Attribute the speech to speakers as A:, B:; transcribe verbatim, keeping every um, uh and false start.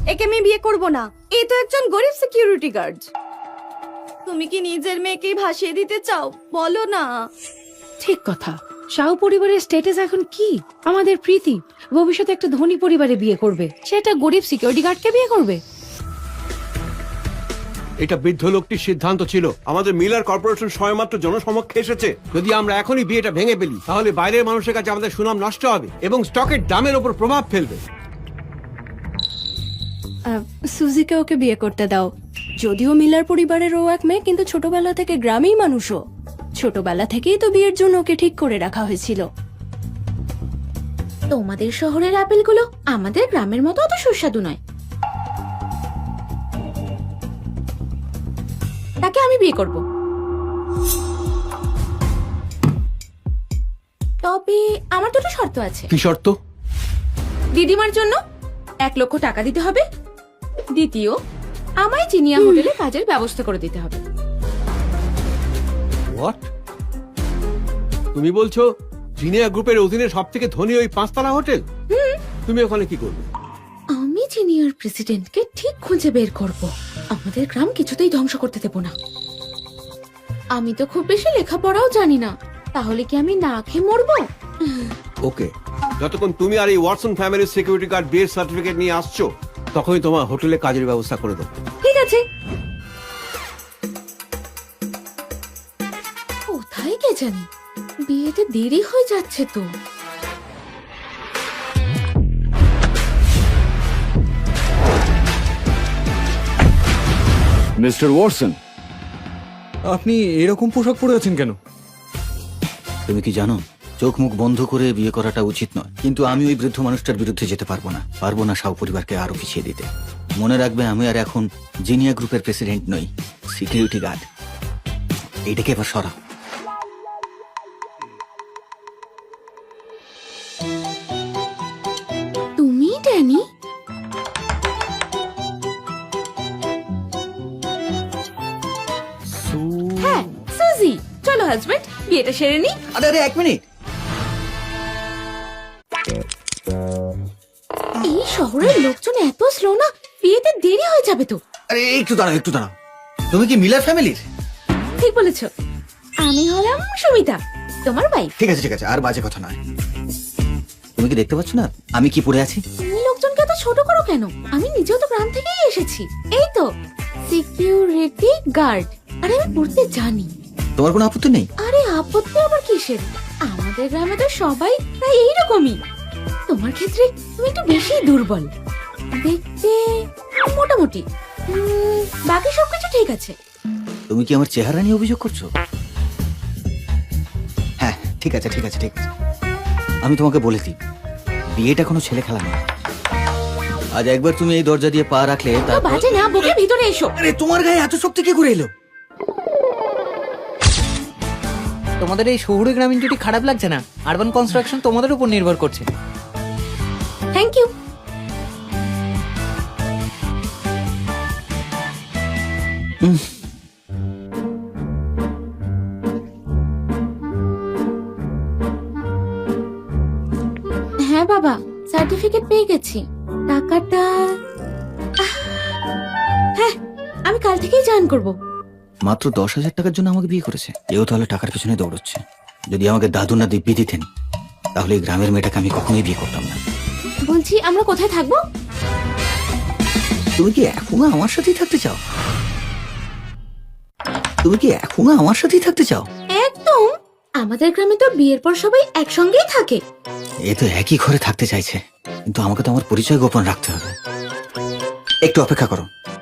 A: একে আমি বিয়ে করব না। এ তো একজন গরিব সিকিউরিটি গার্ড। তুমি কি নিজের মেয়েকেই ভাসিয়ে দিতে চাও? বলো না।
B: ঠিক কথা। শাহু পরিবারের স্ট্যাটাস এখন কি? আমাদের প্রীতি ভবিষ্যতে একটা ধনী পরিবারে বিয়ে করবে, সেটা গরিব সিকিউরিটি গার্ডকে বিয়ে করবে?
C: এটা বৃদ্ধ লোকটির সিদ্ধান্ত ছিল। আমাদের মিলার কর্পোরেশন সবেমাত্র জনসমক্ষে এসেছে। যদি আমরা এখনই বিয়েটা ভেঙে ফেলি তাহলে বাইরের মানুষের কাছে আমাদের সুনাম নষ্ট হবে এবং স্টকের দামের উপর প্রভাব ফেলবে।
D: সুজিকে ওকে বিয়ে করতে দাও। যদিও মিলার পরিবারের ও এক মেয়ে, কিন্তু ছোটবেলা থেকে গ্রামেই মানুষও। ছোটবেলা থেকেই তো বিয়ের জন্য ওকে ঠিক করে রাখা হয়েছিল।
E: তোমাদের শহরের আপেলগুলো আমাদের গ্রামের মতো অত সুস্বাদু নয়। তাকে আমি বিয়ে করব। তবে আমার দুটো শর্ত আছে।
C: কি শর্ত?
E: দিদিমার জন্য এক লক্ষ টাকা দিতে হবে। দ্বিতীয়, আমায় জিনিয়া হোটেলে কাজের ব্যবস্থা করে দিতে হবে।
C: হোয়াট? তুমি বলছো জিনিয়া গ্রুপের অধীনে সব থেকে ধনী ওই পাঁচতলা হোটেল? তুমি ওখানে কি করবে?
E: আমি জিনিয়ার প্রেসিডেন্টকে ঠিক খুঁজে বের করব। আমাদের গ্রাম কিছুতেই ধ্বংস করতে দেব না। আমি তো খুব বেশি লেখাপড়াও জানি না, তাহলে কি আমি না খেয়ে মরবো?
C: ওকে, যতক্ষণ তুমি আর এই ওয়াটসন ফ্যামিলির সিকিউরিটি গার্ড বিয়ের সার্টিফিকেট নিয়ে আসছো তখনই তোমার হোটেলে কাজের ব্যবস্থা করে দেবো।
E: ঠিক আছে। কোথায় কে জানি, বিয়েতে দেরি হয়ে যাচ্ছে তো।
F: মিস্টার ওয়াটসন,
G: আপনি এরকম পোশাক পরে আছেন কেন?
H: তুমি কি জানো চোখ মুখ বন্ধ করে বিয়ে করাটা উচিত নয়, কিন্তু আমি ওই বৃদ্ধ মানুষটার বিরুদ্ধে যেতে পারবো না। পারবো না শাহ পরিবারকে আরো পিছিয়ে দিতে। মনে রাখবে, আমি আর এখন জিনিয়া গ্রুপের প্রেসিডেন্ট নই, সিকিউরিটি গার্ড। এইটাকে এবার সরাও।
E: তুমি ড্যানি? হ্যাঁ, সুজি। চলো হাজবেন্ড, বিয়েটা সেরে নি।
H: আরে আরে এক মিনিট।
E: এই শহরের লোকজন এত স্লো না, বিয়েতে দেরি হয়ে যাবে তো।
H: আরে একটু দাঁড়াও, একটু দাঁড়াও। তুমি কি মিলার ফ্যামিলির?
E: ঠিক বলেছ। আমি হলাম সুমিতা, তোমার ভাই।
H: ঠিক আছে ঠিক আছে, আর বাজে কথা নয়। তুমি কি দেখতে পাচ্ছ না আমি কি পরে আছি?
E: তুমি লোকজনকে এত ছোট করো কেন? আমি নিজেও তো গ্রাম থেকেই এসেছি। এই তো সিকিউরিটি গার্ড। আরে আমি পড়তে জানি।
H: তোমার কোনো আপত্তি নেই?
E: আরে আপত্তি আবার কিসের? আমাদের গ্রামে তো সবাই প্রায় এইরকমই। তোমার ক্ষেত্রে তুমি একটু বেশি দুর্বল দেখতে, মোটামুটি। উম, বাকি সবকিছু ঠিক আছে।
H: তুমি কি আমার চেহারা নিয়ে অভিযোগ করছো? হ্যাঁ ঠিক আছে ঠিক আছে ঠিক আছে। আমি তোমাকে বলে দিই, বিয়েটা কোনো ছেলে খেলা নয়। আজ একবার তুমি এই দরজা দিয়ে পা রাখলে
E: তো
H: তারপর-
E: বাজে না, বকে ভিতরে এসো।
H: আরে তোমার গায়ে এত শক্তি কি করে এলো?
I: তোমাদের এই শহুরে গ্রামীণ জুটি খারাপ লাগছে না? আরবান কনস্ট্রাকশন তোমাদের উপর নির্ভর করছে।
E: Thank you. হ্যাঁ বাবা, সার্টিফিকেট পেয়ে গেছি। টাকাটা আহ, হ্যাঁ, আমি কাল থেকেই জয়েন করব।
H: মাত্র দশ হাজার টাকার জন্য আমাকে বিয়ে করেছে। এও তাহলে টাকার পেছনে দৌড়চ্ছে। যদি আমাকে দাদু না দিব্যি দিতেন তাহলে এই গ্রামের মেয়েটাকে আমি কখনোই বিয়ে করতাম না।
E: বলছি, আমরা কোথায় থাকবো?
H: তুমি কি এখনো আমার সাথেই থাকতে চাও? তুমি কি এখনো আমার সাথেই থাকতে চাও?
E: একদম। আমাদের গ্রামে তো বিয়ের পর সবাই একসঙ্গেই থাকে।
H: এ তো একই ঘরে থাকতে চাইছে, কিন্তু আমাকে তো আমার পরিচয় গোপন রাখতে হবে। একটু অপেক্ষা করো,